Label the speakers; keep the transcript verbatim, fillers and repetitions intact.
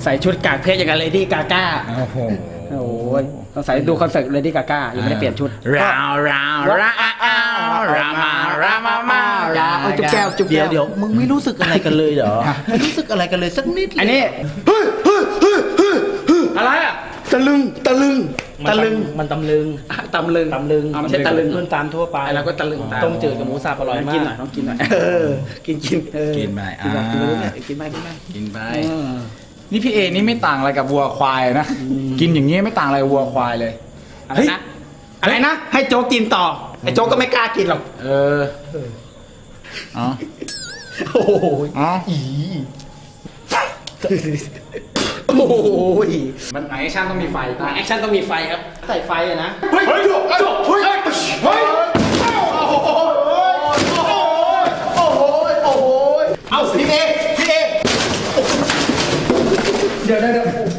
Speaker 1: ใส่ชุดกากเพชรอย่างกับเลดี้กาก้าโอ้โหโอ้ยต้องใส่ดูคอนเสิร์ตเลดี้กาก้ายังไม่ได้เปลี่ยนชุดราวราวราวรามารามามาราเอาจุ๊บแก้วจุ๊บแก้ว
Speaker 2: เดี๋ยวมึงไม่รู้สึกอะไรกันเลยเหรอไม่รู้สึกอะไรกันเลยสักนิด
Speaker 1: อันนี้อะไรอ่ะตะลึงตะลึงตะลึง
Speaker 2: มันตำลึง
Speaker 1: ตำลึง
Speaker 2: ตำลึง
Speaker 1: ไม่ใช่ตะลึง
Speaker 2: เพื่อนตามทั่วไป
Speaker 1: แล้วก็ตะลึง
Speaker 2: ต้มจืดกับหมูสับอร่อยมาก
Speaker 1: กินหน่อยต้องกินหน่อยเออกินกิน
Speaker 3: กินไปอ่า
Speaker 1: กินไปกินไป
Speaker 3: กินไปนี่พี่เอนี่ไม่ต่างอะไรกับวัวควายนะกินอย่างนี้ไม่ต่างอะไรวัวควายเลย
Speaker 1: อะไรนะอะไรนะให้โจ๊กกินต่อไอ้โจ๊กก็ไม่กล้ากินหรอก
Speaker 3: เอออ๋อ
Speaker 1: โอ้โห
Speaker 3: อ๋อ
Speaker 1: โอ้โห
Speaker 3: มันแอคชั่นต้องมีไฟตา
Speaker 1: แอคชั่นต้องมีไฟครับใส่ไฟอะนะ
Speaker 3: เฮ้ยจบจบเฮ้ยเฮ้ยโอ้โห
Speaker 1: โอ้โหโอ้โหเอาพี่เอพี่เอเดี๋ยวเดี๋ยว